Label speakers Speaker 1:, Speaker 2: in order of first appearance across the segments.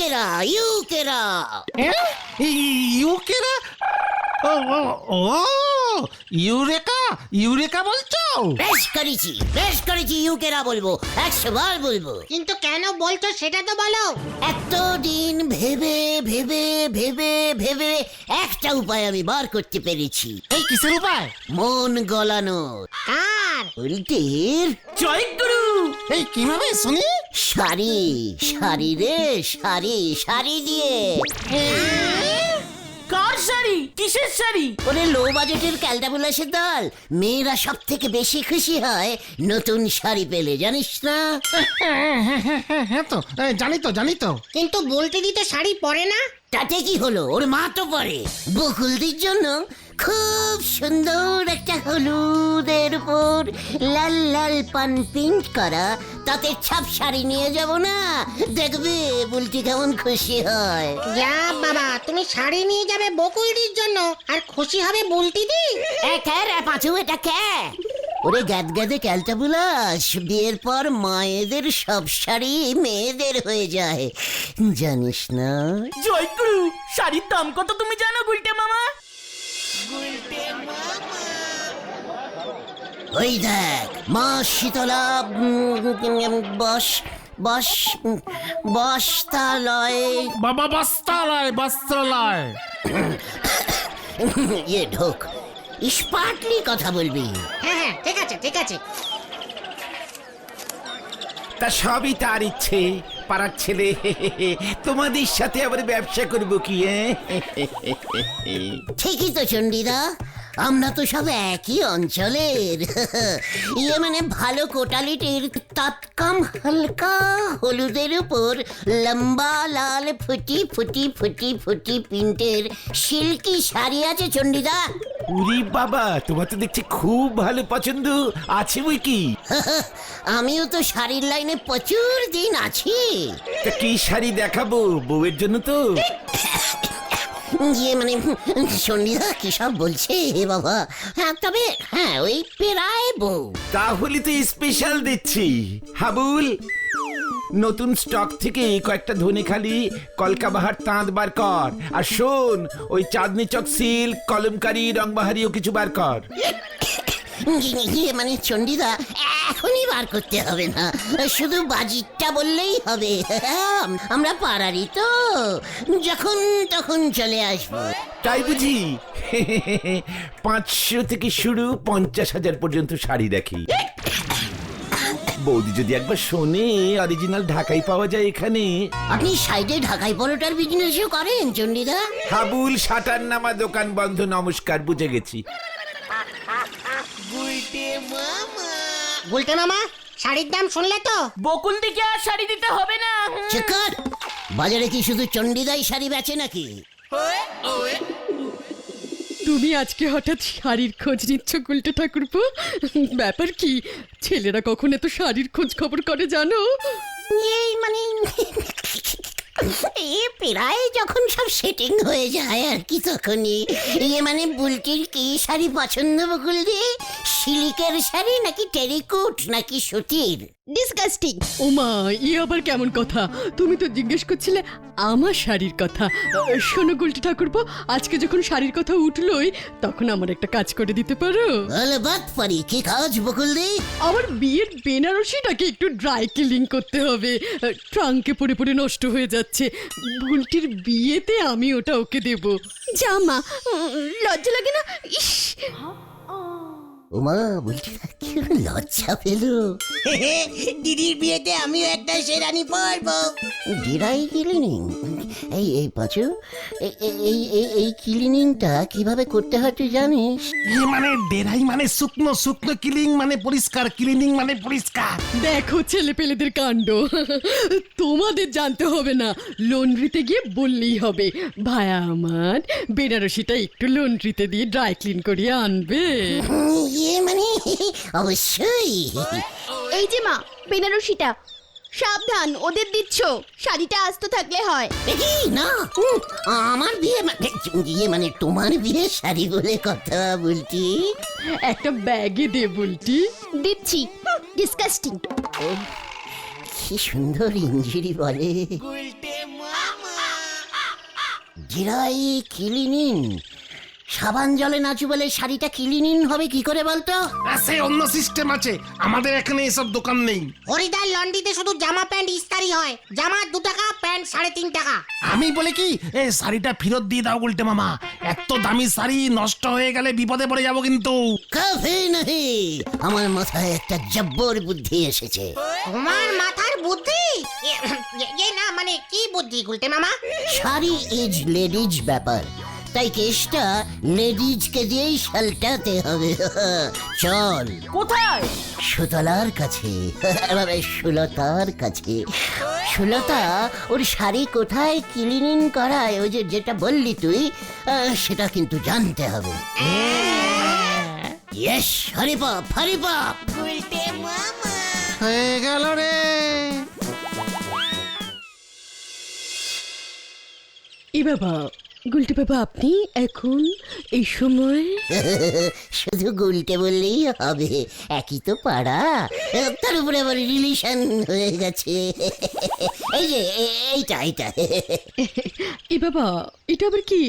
Speaker 1: ইউকেরা ইউকেরা।
Speaker 2: ইউকেরা? ও ও ও eureka, eureka বলছো?
Speaker 1: বেশ করেছি ইউকেরা বলবো, 100 বার বলবো।
Speaker 3: কিন্তু কেন বলছো সেটা তো বলো।
Speaker 1: এতদিন ভেবে ভেবে ভেবে ভেবে একটা উপায় আমি বার করতে পেরেছি।
Speaker 2: এই কিসের উপায়?
Speaker 1: মন গলানোর।
Speaker 3: কার?
Speaker 1: উল্টের।
Speaker 4: জয়গুরু।
Speaker 2: এই কিভাবে শুনি?
Speaker 1: শাড়ি শাড়ি রে শাড়ি, শাড়ি দিয়ে।
Speaker 4: কার শাড়ি? কিসের শাড়ি?
Speaker 1: ওরে লো বাজেটের ক্যালটাবুলাসের দল, মেয়েরা সব থেকে বেশি খুশি হয় নতুন শাড়ি পেলে, জানিস না?
Speaker 2: হ্যাঁ তো জানি তো।
Speaker 3: কিন্তু বলতে দিতে শাড়ি পরে না।
Speaker 1: তাতে কি হলো, ওর মা তো পরে। বকুলদির জন্য খুব সুন্দর একটা হলুদের উপর লাল লাল পান প্রিন্ট করা তাতে ছাপ শাড়ি নিয়ে যাব না, দেখবে বুলটি কেমন খুশি হয়।
Speaker 3: যা বাবা, তুমি শাড়ি নিয়ে যাবে বকুলদির জন্য আর খুশি হবে বুলটিদি।
Speaker 1: পাঁচু এটা কে? ওরে গ্যাদে ক্যালটাবুলাস, বিয়ের পর মায়েদের সব শাড়ি মেয়েদের হয়ে যায়, জানিস না?
Speaker 4: জয়গুরু, শাড়ির দাম কত তুমি জানো গুলটে মামা?
Speaker 1: ওই দেখ মা শীতলা বস্তালয়
Speaker 2: বাবা বস্ত্রালয়।
Speaker 1: ঢোক, স্মার্টলি কথা বলবি।
Speaker 3: হ্যাঁ ঠিক আছে।
Speaker 5: তা সবই তার ইচ্ছে, পাড়ার ছেলে। তোমাদের সাথে আবার ব্যবসা করবো কি?
Speaker 1: ঠিকই তো চন্ডিদা, আমরা তো সব একই অঞ্চলের। মানে ভালো কোটালিটির তৎকাম হালকা হলুদের উপর লম্বা লাল ফুটি ফুটি ফুটি ফুটি প্রিন্টের সিল্কি শাড়ি আছে চন্ডিদা।
Speaker 5: উরি বাবা, তোমার তো দেখছি খুব ভালো পছন্দ আছে বই কি।
Speaker 1: আমিও তো শাড়ির লাইনে প্রচুর দিন আছি।
Speaker 5: তা কি শাড়ি দেখাবো? বউয়ের জন্য তো।
Speaker 1: মানে চন্ডিদা কি সব বলছে হে বাবা। হ্যাঁ তবে হ্যাঁ ওই পেরায় বউ।
Speaker 5: তাহলে তো স্পেশাল দিচ্ছি। হাবুল, নতুন স্টক থেকে কয়েকটা ধনেখালি কলকাবাহার তাঁত বার কর। আর শোন, ওই চাঁদনি চক সিল্ক কলমকারি রংবাহারিও কিছু বার কর।
Speaker 1: মানে চন্ডিদা এখনই বার করতে হবে না, শুধু বাজিটটা বললেই হবে। আমরা পাড়ারই তো, যখন তখন চলে আসবো।
Speaker 5: তাই বুঝি? 500 থেকে শুরু 50,000 পর্যন্ত শাড়ি রাখি। বৌদি যদি একবার শোনে, অরিজিনাল ঢাকাই পাওয়া যায় এখানে।
Speaker 1: আপনি সাইডে ঢাকাই পরোটার বিজনেসও করেন চন্ডিদা?
Speaker 5: হাবুল শাটার নামা দোকান বন্ধ, নমস্কার, বুঝে গেছি।
Speaker 3: গুলটে মামা, শাড়ির দাম শুনলে তো?
Speaker 4: বকুলদিকে আর শাড়ি দিতে হবে না।
Speaker 1: চেকার, বাজারে কি শুধু চন্ডিদাই শাড়ি বেচে নাকি?
Speaker 6: তুমি আজকে হঠাৎ শাড়ির খোঁজ নিচ্ছ গুলটে ঠাকুরপো? ব্যাপার কি? ছেলেরা কখন এত শাড়ির খোঁজ খবর করে জানো?
Speaker 1: এই মানে প্রায় যখন সব সেটিং হয়ে যায় আর কি, তখনই মানে বুলটির কি শাড়ি পছন্দ বকুলদি? সিল্কের শাড়ি নাকি টেরিকোট নাকি সুতির?
Speaker 6: ডিসগাস্টিং! ওমা, ই আবার কেমন কথা? তুমি তো জিজ্ঞেস করছিলে আমার শাড়ির কথা। শোনো গুলটে ঠাকুরপো, আজকে যখন শাড়ির কথা উঠলোই, তখন আমার একটা কাজ করে দিতে পারো?
Speaker 1: বাত পারি। কি কাজ বকুলদি?
Speaker 6: আমার বিয়ের বেনারসিটাকে একটু ড্রাই ক্লিন করতে হবে। ট্রাঙ্কে পড়ে পড়ে নষ্ট হয়ে যাচ্ছে। বুলটির বিয়েতে আমি ওটা ওকে দেব। জামা লজ্জা লাগে না? ইস,
Speaker 1: ওমা, বুলটি কি লজ্জা পেল।
Speaker 3: দিদির বিয়েতে আমিও একটা শেরানি পরবো।
Speaker 1: Dry cleaning? এই পাঁচু, এই ক্লিনিংটা কিভাবে করতে হয় তুই জানিস?
Speaker 2: মানে ডেরাই মানে শুকনো, শুকনো ক্লিনিং মানে পরিষ্কার, ক্লিনিং মানে পরিষ্কার।
Speaker 6: দেখো ছেলে পেলেদের কাণ্ড। তোমাদের জানতে হবে না, লন্ড্রিতে গিয়ে বললেই হবে, ভায়া আমার বেনারসিটা একটু লন্ড্রিতে দিয়ে ড্রাই ক্লিন করিয়ে আনবে।
Speaker 1: মানে অবশ্যই।
Speaker 7: এই যে মা, বেনারসিটা সাবধান, ওদের দিচ্ছ। শাড়িটা আস্ত থাকলে হয়।
Speaker 1: দেখি না, আমার বিয়ে মানে তোমার বিয়ে শাড়ি বলে কথা বলছি।
Speaker 6: একটা ব্যাগে দে বুলটি।
Speaker 7: দিচ্ছি। ডিসকাস্টিং।
Speaker 1: কি সুন্দর ইঞ্জিরি বলে। Dry cleaning. সাবান জলে নাচু বলে শাড়িটা ক্লিনিং হবে কি করে বলতো?
Speaker 2: আছে অন্য সিস্টেম আছে, আমাদের এখানে এসব দোকান নেই।
Speaker 3: হরিদার লন্ড্রিতে শুধু জামা প্যান্ট ইস্তারি হয়, জামা 2 টাকা, প্যান্ট 3.5 টাকা।
Speaker 2: আমি বলে কি এই শাড়িটা ফেরত দিয়ে দাও গুলটে মামা, এত দামি শাড়ি নষ্ট হয়ে গেলে বিপদে পড়ে যাবো কিন্তু।
Speaker 1: কফি নাহি, আমার মাথায় একটা জব্বর বুদ্ধি এসেছে।
Speaker 3: তোমার মাথার বুদ্ধি? না মানে কি বুদ্ধি গুলটে মামা?
Speaker 1: শাড়ি ইজ লেডিজ ব্যাপার, তাই কেসটা লেডিজকে দিয়েই সালটাতে হবে। চল।
Speaker 4: কোথায়?
Speaker 1: সুতলার কাছে, সুলতার কাছে। সুলতা ওর শাড়ি কোথায় ক্লিনিং করায়, ওই যে যেটা বললি তুই, সেটা কিন্তু জানতে হবে। ইয়েস, হরিপাপ হরিপাপ।
Speaker 2: হয়ে গেল রে।
Speaker 6: এ বাবা, গুলটে বাবা আপনি এখন এই সময়?
Speaker 1: শুধু গুলটে বললেই হবে, একই তো পাড়া, তার উপরে আবার রিলেশন হয়ে গেছে। এই যে এইটা এইটা।
Speaker 6: এ বাবা, এটা আবার কি?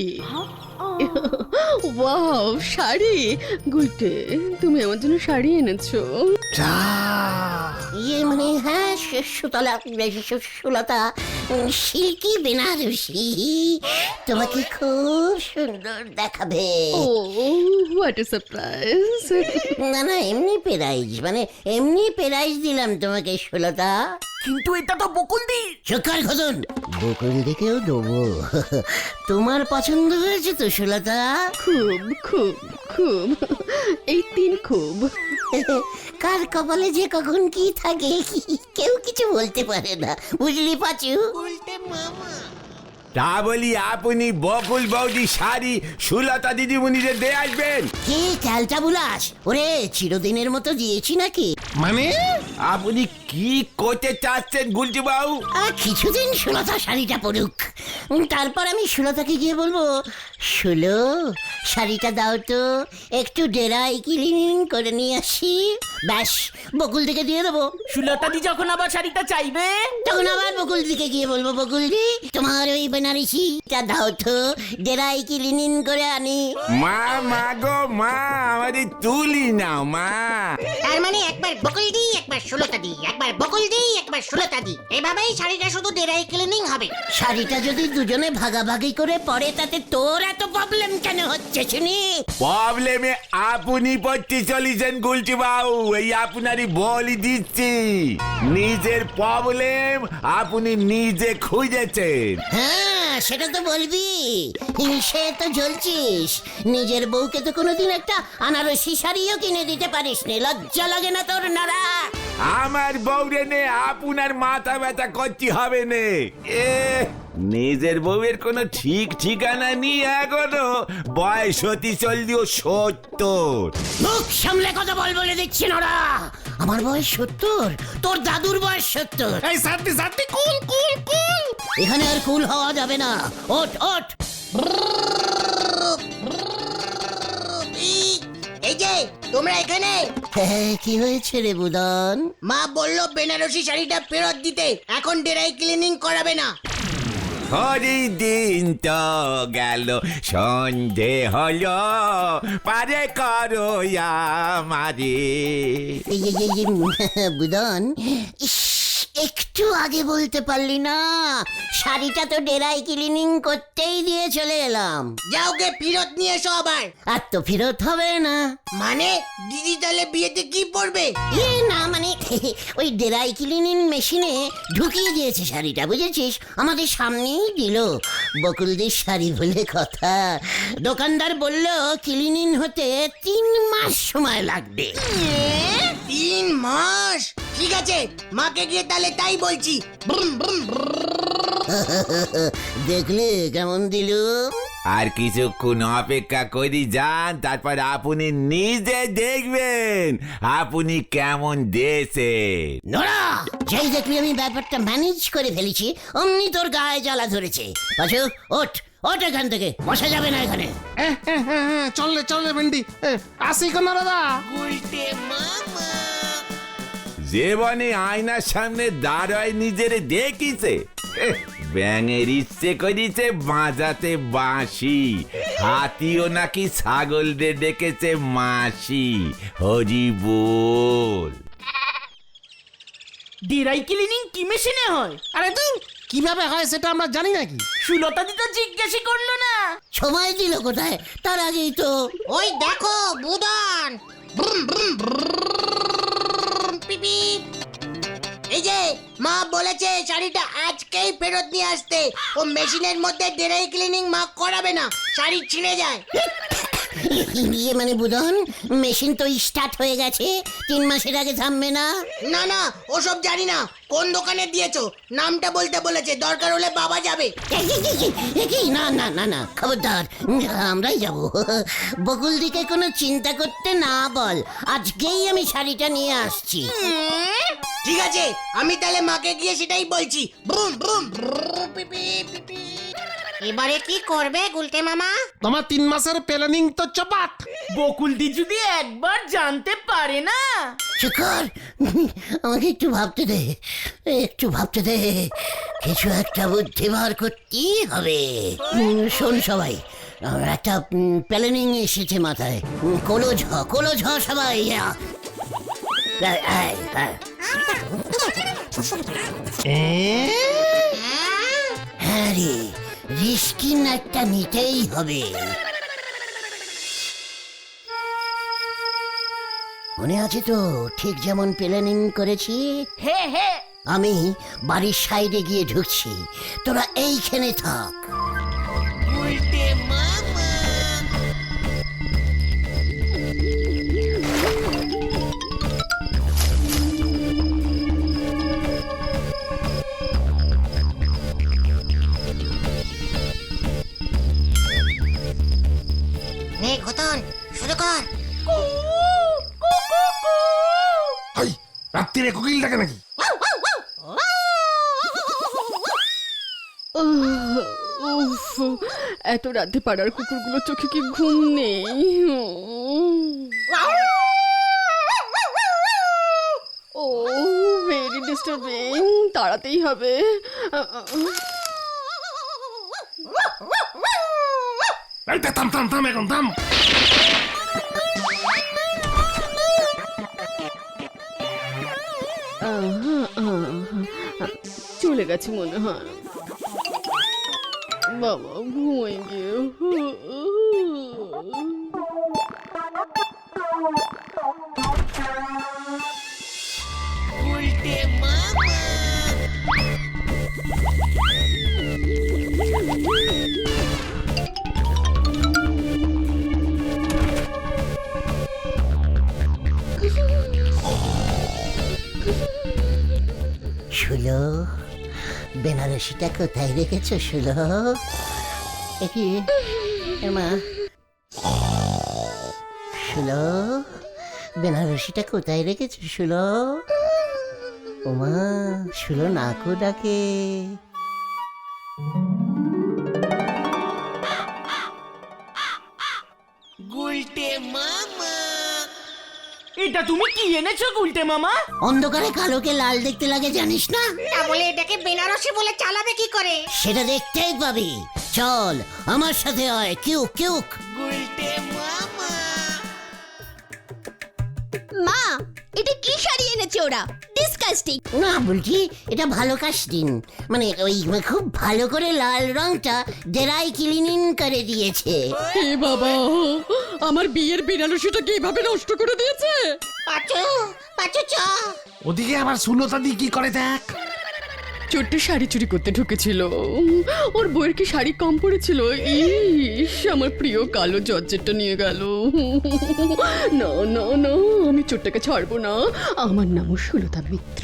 Speaker 6: ওয়াও, শাড়ি! গুলটে, তুমি আমার জন্য শাড়ি এনেছো?
Speaker 2: যা
Speaker 1: ইয়ে মানে হ্যাঁ, সুতলা সুলতা সিল্কি বেনারসি তোমাকে খুব সুন্দর দেখাবে।
Speaker 6: Oh what a surprise!
Speaker 1: না না, এমনি প্রাইজ, মানে এমনি প্রাইজ দিলাম তোমাকে সুলতা।
Speaker 4: কিন্তু এটা তো বকুলদি।
Speaker 1: চোখার খোদন, বকুল দিকেও দেবো। তোমার পছন্দ হয়েছে তো সুলতা?
Speaker 6: খুব খুব খুব, এই 3 খুব।
Speaker 1: কার কপালে যে কখন কি থাকে কেউ কিছু বলতে পারে না, বুঝলি পাচু?
Speaker 5: তা বলি আপনি বকুল বৌদি শাড়ি সুলতা দিদিমণিদের দিয়ে আসবেন?
Speaker 1: কি ক্যালটা বুলাস, ওরে চিরদিনের মতো দিয়েছি নাকি?
Speaker 2: মানে
Speaker 5: আপনি কি করতে চাচ্ছেন গুলটি বাবু?
Speaker 1: কিছুদিন সুলতা শাড়িটা পরুক, তারপর আমি সুলতাকে গিয়ে বলবো, সুলো শাড়িটা দাও তো, একটু ডেরাই ক্লিনিং করে নিয়ে আসি। ব্যাস, বকুল দিকে দিয়ে দেবো।
Speaker 4: সুলতাদি যখন আবার শাড়িটা চাইবে,
Speaker 1: তখন আবার বকুল দিকে গিয়ে বলবো, বকুলদি তোমার ওই বেনারসিটা দাও তো, ডেরাই ক্লিনিং করে আনি।
Speaker 5: মা মা গো মা, আমাদের তুলি নাও মা।
Speaker 3: তার মানে একবার বকুল দি, একবার সুলতা দি, একবার বকুল দি, একবার সুলতা দি, এভাবেই শাড়িটা শুধু ডেরাই ক্লিনিং হবে।
Speaker 1: শাড়িটা যদি দুজনে ভাগাভাগি করে পরে, তাতে তোর এত প্রবলেম কেন হচ্ছে শুনি?
Speaker 5: প্রবলেমে আপনি পড়তে চলেছেন গুলটি বাবু, এই আপনারই বলি দিচ্ছি। নিজের প্রবলেম আপনি নিজে খুঁজেছেন।
Speaker 1: হ্যাঁ, সেটা তো বলবি, সে তো জ্বলছিস। নিজের বউকে তো কোনোদিন একটা আনারসি শাড়িও কিনে দিতে পারিস নি, লজ্জা লাগে না তোর নারা?
Speaker 5: আমার বউরে নে আপনার মাথা ব্যথা করতে হবে নে। নিজের বউয়ের কোনো ঠিক ঠিকানা নি এখনো, বয়স হতে চললেও 70।
Speaker 1: মুখ সামলে কথা বলে দিচ্ছি নরা। আমার বয়স 70, তোর দাদুর বয়স 70।
Speaker 2: এই সাথে সাথে কুল কুল কুল।
Speaker 1: এখানে আর কুল হওয়া যাবে না, ওঠ ওঠ।
Speaker 3: এই যে তোমরা এখানে,
Speaker 1: কি হয়েছে রে বুদন?
Speaker 3: মা বললো বেনারসি শাড়িটা ফেরত দিতে, এখন ডেরাই ক্লিনিং করাবে না।
Speaker 5: হরি দিন তো গেল, সন্ধে হলো, পারে করো আমারে।
Speaker 1: বুদন, ইস, একটু আগে বলতে পারলি না? শাড়িটা তো ডেরাই ক্লিনিং করতেই দিয়ে চলে এলাম।
Speaker 3: যাও গে ফেরত নিয়ে এসো আবার।
Speaker 1: আর তো ফেরত হবে না।
Speaker 3: মানে দিদি তাহলে বিয়েতে কি পরবে?
Speaker 1: না মানে ওই ডেরাই ক্লিনিং মেশিনে ঢুকিয়ে দিয়েছে শাড়িটা, বুঝেছিস? আমাদের সামনেই দিল। বকুলদির শাড়ি বলে কথা, দোকানদার বলল ক্লিনিং হতে 3 মাস সময় লাগবে।
Speaker 3: 3 মাস? ঠিক আছে, মাকে গিয়ে তাহলে তাই বলছি।
Speaker 1: দেখলে কেমন দিল?
Speaker 5: আর কিছুক্ষণ অপেক্ষা করি যান, তারপর আপনি নিজে দেখবেন আপনি কেমন দেশেন।
Speaker 1: নোরা, যেই দেখলি আমি ব্যাপারটা ম্যানেজ করে ফেলেছি, অমনি তোর গায়ে জ্বালা ধরেছে। পাশু, ওঠ ওঠ এখান থেকে, বসা যাবে না এখানে।
Speaker 2: চললে চললে ভেন্ডি, আসি কোন দাদা।
Speaker 5: জীবনে আয়নার সামনে দাঁড়ায় নিজেরে দেখিছে, ব্যাঙের ইচ্ছে করিছে বাজাতে বাঁশি, হাতিও নাকি ছাগলদের ডেকেছে মাসি। হরি বল।
Speaker 4: ড্রাই ক্লিনিং কি মেশিনে হয়?
Speaker 2: আরে তুই কিভাবে হয় সেটা আমরা জানি নাকি?
Speaker 4: সুলতা দি তো জিজ্ঞাসা করলো না।
Speaker 1: সময় দিল কোথায়, তার আগেই তো।
Speaker 3: ওই দেখো বুদন, ব্রুম ব্রুম ব্রুম, পিপি। এই যে মা বলেছে শাড়িটা আজকেই ফেরত নিয়ে আসতে। ও মেশিনের মধ্যে ড্রাই ক্লিনিং মা করাবে না, শাড়ি ছিঁড়ে যায়।
Speaker 1: ইয়ে মানে বুধন, মেশিন তো স্টার্ট হয়ে গেছে, 3 মাসের আগে থামবে না।
Speaker 3: না না, ওসব জানি না। কোন দোকানে দিয়েছো নামটা বলতে বলেছে, দরকার হলে বাবা যাবে।
Speaker 1: কি না না না না, খবরদার, আমরাই যাব। বকুল দিকে কোনো চিন্তা করতে না বল, আজকেই আমি শাড়িটা নিয়ে আসছি।
Speaker 3: ঠিক আছে, আমি তাহলে মাকে গিয়ে সেটাই বলছি। ব্রুম ব্রুম ব্রুম, পিপি পিপি। এবারে কি করবে গুলটে মামা?
Speaker 2: তোমার 3 মাসের প্ল্যানিং তো চপাট।
Speaker 4: বকুল দি যদি একবার জানতে পারে না।
Speaker 1: শুকর, আমাকে একটু ভাবতে দে, একটু ভাবতে দে, কিছু একটা বুদ্ধি বার করতেই হবে। শোন সবাই, আমার একটা প্ল্যানিং এসেছে মাথায়। কোলো ঝ সবাই। হ্যাঁ রে, রিস্কি একটা নিতেই হবে। মনে আছে তো, ঠিক যেমন প্ল্যানিং করেছি।
Speaker 4: হে হে,
Speaker 1: আমি বাড়ির সাইডে গিয়ে ঢুকছি, তোরা এইখানে থাক।
Speaker 3: নে ঘটন, শুরু কর।
Speaker 2: হাই, রাত্রিরে কোকিল ডাকে নাকি?
Speaker 6: উফ, এত রাতে পাড়ার কুকুরগুলো চোখে কি ঘুম নেই? ও ভেরি ডিস্টার্বিং, তাড়াতেই হবে।
Speaker 2: এই থাম থাম থাম, এখন থাম।
Speaker 6: চলে গেছে মনে হয়। বাবা ঘুমাই গিয়ে।
Speaker 1: শুলো, বেনারসিটা কোথায় রেখেছো শুলো? কি মা, শুলো, বেনারসিটা কোথায় রেখেছো শুলো? ওমা, শুলো নাকু ডাকে।
Speaker 4: এটা তুমি কি এনেছো গুলটে মামা?
Speaker 1: অন্ধকারে কালোকে লাল দেখতে লাগে জানিস না?
Speaker 3: তাহলে এটাকে বেনারসি বলে চালাবে কি করে?
Speaker 1: সেটা দেখতেই পাবি। চল আমার সাথে আয়, কিউক কিউক।
Speaker 7: মা, এটা কি শাড়ি এনেছে ওরা? ডিসকাস্টিং।
Speaker 1: না বলছি, এটা ভালো কাস্টিং, মানে ওই খুব ভালো করে লাল রংটা ড্রাই ক্লিনিং করে দিয়েছে।
Speaker 6: হে বাবা, আমার বিয়ের বেনারসিটাকে এভাবে নষ্ট করে দিয়েছে।
Speaker 3: পাচু পাচু চ।
Speaker 2: ওদিকে আবার সুলতা দি কি করে দেখ।
Speaker 6: ছোট্ট শাড়ি চুরি করতে ঢুকেছিল, ওর বইয়ের কি শাড়ি কম পড়েছিল। ইস, আমার প্রিয় কালো জর্জেটটা নিয়ে গেল। না না না, আমি চোরটাকে ছাড়বো না। আমার নামও সুলতা মিত্র।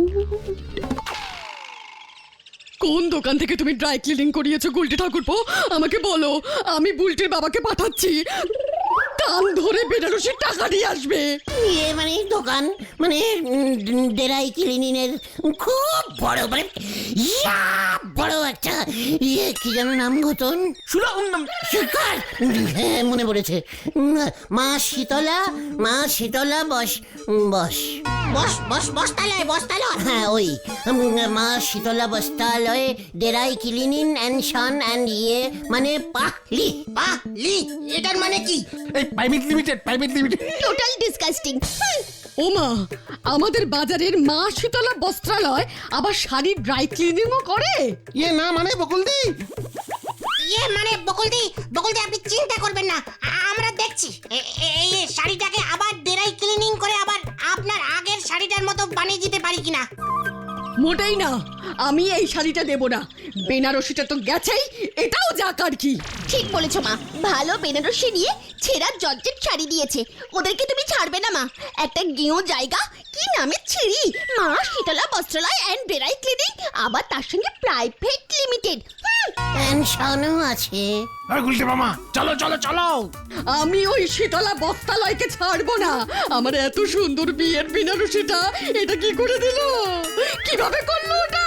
Speaker 6: কোন দোকান থেকে তুমি ড্রাই ক্লিনিং করিয়েছো গুলটি ঠাকুরপো? আমাকে বলো, আমি বুলটির বাবাকে পাঠাচ্ছি। কান ধরে বেনারসির টাকা দিয়ে আসবে।
Speaker 1: ইয়ে মানে দোকান, মানে ড্রাই ক্লিনিং এর খুব বড়, মানে ইয়া বড় একটা ইয়ে, কি যেন নাম ঘটন? শিকার, হ্যাঁ মনে পড়েছে। মা শীতলা, মা শীতলা বস বস।
Speaker 3: বস্তালয় বস্তালয়।
Speaker 1: হ্যাঁ ওই মা শীতলা বস্ত্রালয়ে dry cleaning and son and মানে পাহলি।
Speaker 3: লি এটার মানে কি?
Speaker 2: এই প্রাইভেট লিমিটেড
Speaker 7: টোটাল ডিসকাস্টিং।
Speaker 6: ওমা, আমাদের বাজারের মা শীতলা বস্ত্রালয় আবার শাড়ির ড্রাই ক্লিনিংও করে?
Speaker 2: ইয়ে না মানে বকুলদি,
Speaker 3: মানে বকুলদি আপনি চিন্তা করবেন না, আমরা দেখছি এই শাড়িটাকে আবার ডেরাই ক্লিনিং করে আবার আপনার আগের শাড়িটার মতো বানিয়ে দিতে পারি কিনা।
Speaker 6: মোটেই না, আমি এই শাড়িটা দেব না। বেনারসিটা তো গেছেই, এটাও যাক আর কি।
Speaker 7: ঠিক বলেছো মা, ভালো বেনারসি নিয়ে ছেঁড়া জর্জেট শাড়ি দিয়েছে, ওদেরকে তুমি ছাড়বে না মা। একটা গেঁয়ো জায়গা, কি নামে ছিড়ি, Maa Shitala Bastralaya and dry cleaning, আবার তার সঙ্গে প্রাইভেট লিমিটেড।
Speaker 1: পেনশনও আছে।
Speaker 2: আর গুলটে মামা চলো চলো চলো।
Speaker 6: আমি ওই শীতলা বস্ত্রালয়কে ছাড়বো না। আমার এত সুন্দর বিয়ের বেনারসিটা এটা কি করে দিল, কিভাবে করলো ওটা?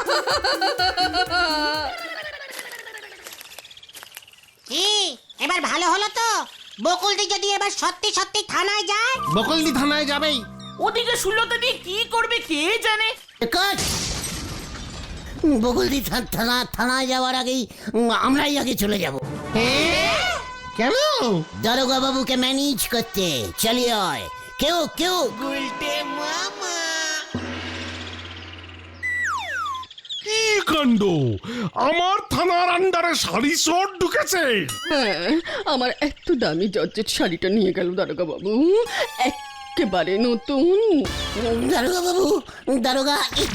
Speaker 3: কি এবার ভালো হলো তো? বকুলদি যদি এবার সত্যি সত্যি থানায় যায়।
Speaker 2: বকুলদি থানায় যাবেই।
Speaker 4: ওদিকে সুলতা দিয়ে কি করবে কে জানে।
Speaker 1: কাট। বকুলদি থানায় যাওয়ার আগেই আমরাই আগে চলে যাব।
Speaker 2: কেন?
Speaker 1: দারোগা বাবুকে ম্যানেজ করতে। চলিয়ে হয় কেউ
Speaker 2: কি কাণ্ড, আমার থানার আন্ডারে শাড়ি চোর ঢুকেছে।
Speaker 6: হ্যাঁ, আমার এত দামি জর্জেট শাড়িটা নিয়ে গেল দারোগা বাবু, একেবারে নতুন।
Speaker 1: দারোগা বাবু, দারোগা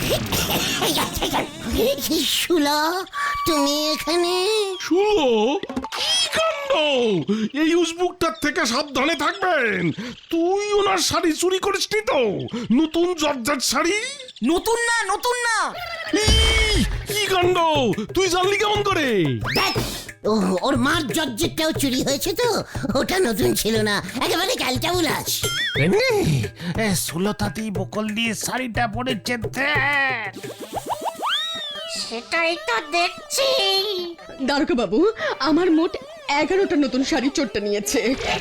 Speaker 1: শুলা, তুমি এখানে?
Speaker 2: শুনো কি কাণ্ড, এই উসবুকটার থেকে সাবধানে থাকবেন। তুই ওনার শাড়ি চুরি করিসনি তো? নতুন জর্জেট শাড়ি?
Speaker 4: নতুন না
Speaker 1: হ্যাঁ।
Speaker 2: কি কাণ্ড, তুই জানলি কেমন করে?
Speaker 1: দেখ, ওর মার জর্জেটটাও চুরি হয়েছে তো, ওটা নতুন ছিল না, একেবারে ক্যালটাবুলাস।
Speaker 2: সুলতাতি বকল দিয়ে শাড়িটা পরেছে।
Speaker 3: সেটাই তো দেখছি।
Speaker 6: দারোগা বাবু, আমার মোট 11টা নতুন শাড়ি চোরটা নিয়েছে।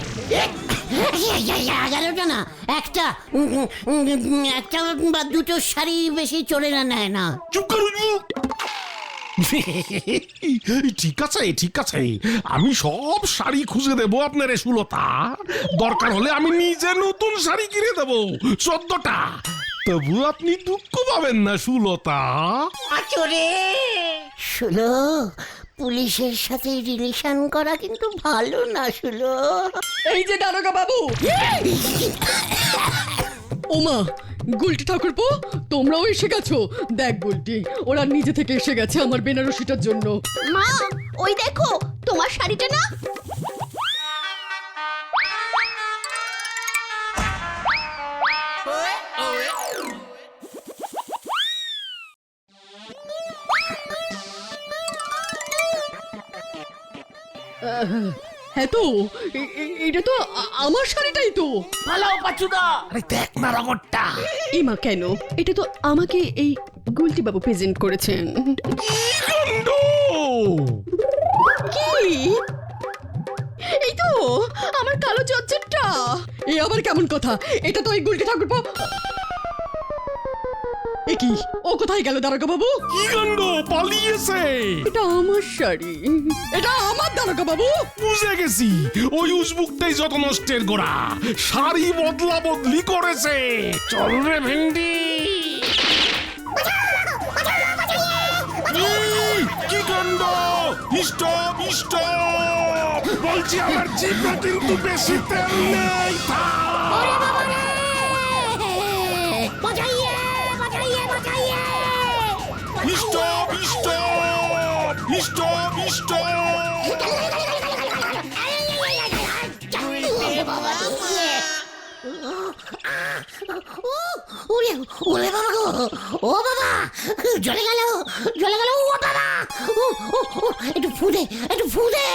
Speaker 1: 11টা না, একটা বা দুটো শাড়ি বেশি চোরেরা নেয় না।
Speaker 2: চুপ কর উজবু। ঠিক আছে, আমি সব শাড়ি খুঁজে দেবো আপনার সুলতা। দরকার হলে আমি নিজে নতুন শাড়ি কিনে দেবো 14টা। তবু আপনি দুঃখ পাবেন না সুলতা।
Speaker 3: আচরে
Speaker 1: শুলো, পুলিশের সাথে রিলেশন করা কিন্তু ভালো না শুলো।
Speaker 6: এই যে দারোগা বাবু। ওমা, গুলটি ঠাকুরপো, তোমরাও এসে গেছো। দেখ গুলটি, ওরা নিজে থেকে এসে গেছে আমার বেনারসিটার জন্য।
Speaker 7: মা, ওই দেখো তোমার শাড়িটা না।
Speaker 6: হ্যাঁ তো, এটা তো আমার শাড়িটাই তো।
Speaker 4: পালাও পাচুদা।
Speaker 2: আরে দেখ না রগরটা।
Speaker 6: এমা কেন, এটা তো আমাকে এই গুলটি বাবু প্রেজেন্ট করেছেন। কি? এই তো আমার কালো জর্জেটটা। এ আবার কেমন কথা? এটা তো ওই গুলটি ঠাকুরপো। এ কি, ও কোথায় গেল দারোগা বাবু?
Speaker 2: কি কাণ্ড, পালিয়েছে।
Speaker 6: এটা আমার শাড়ি, এটা আমার দারোগা বাবু।
Speaker 2: বুঝে গেছি, ওই উসবুকটাই যত নষ্টের গোড়া। শাড়ি বদলা বদলি করেছে। চল রে ভেন্ডি। কি কাণ্ড, স্টপ বলছি, আমার জিভে কিন্তু বেশি তেল নেই। স্টপ।
Speaker 1: ওরে বাবা গো, ও বাবা, জ্বলে গেল ও বাবা। একটু ফুদে।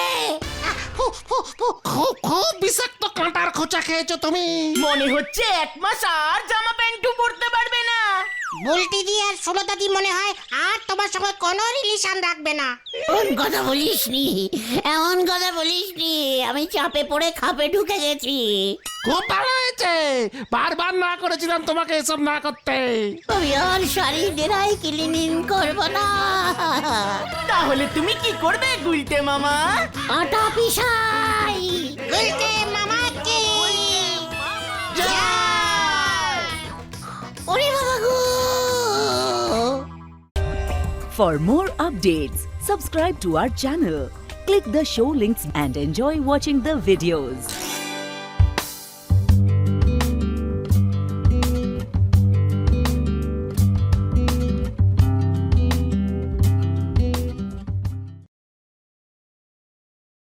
Speaker 2: খুব বিষাক্ত কাঁটার খোঁচা খেয়েছো তুমি।
Speaker 4: মনে হচ্ছে 1 মাস আর জামা প্যান্টু পরতে পারবে না।
Speaker 3: বুলটি দি আর সুলতাদি মনে হয় আর তোমার সঙ্গে কোনো রিলেশন রাখবে না।
Speaker 1: এমন কথা বলিসনি, এমন কথা বলিসনি, আমি চাপে পড়ে খাপে ঢুকে গেছি।
Speaker 2: খুব ভালো হয়েছে, বারবার না করেছিলাম তোমাকে এসব না করতে।
Speaker 1: আমি আর শাড়ি ড্রাই ক্লিনিং করবো না,
Speaker 4: তাহলে তুমি কি করবে গুলটে মামা?
Speaker 1: আটা পিসাই।
Speaker 3: গুলটে মামা কি জয়।
Speaker 1: ওরে বাবা গো!
Speaker 8: For more updates, subscribe to our channel, click the show links and enjoy watching the videos.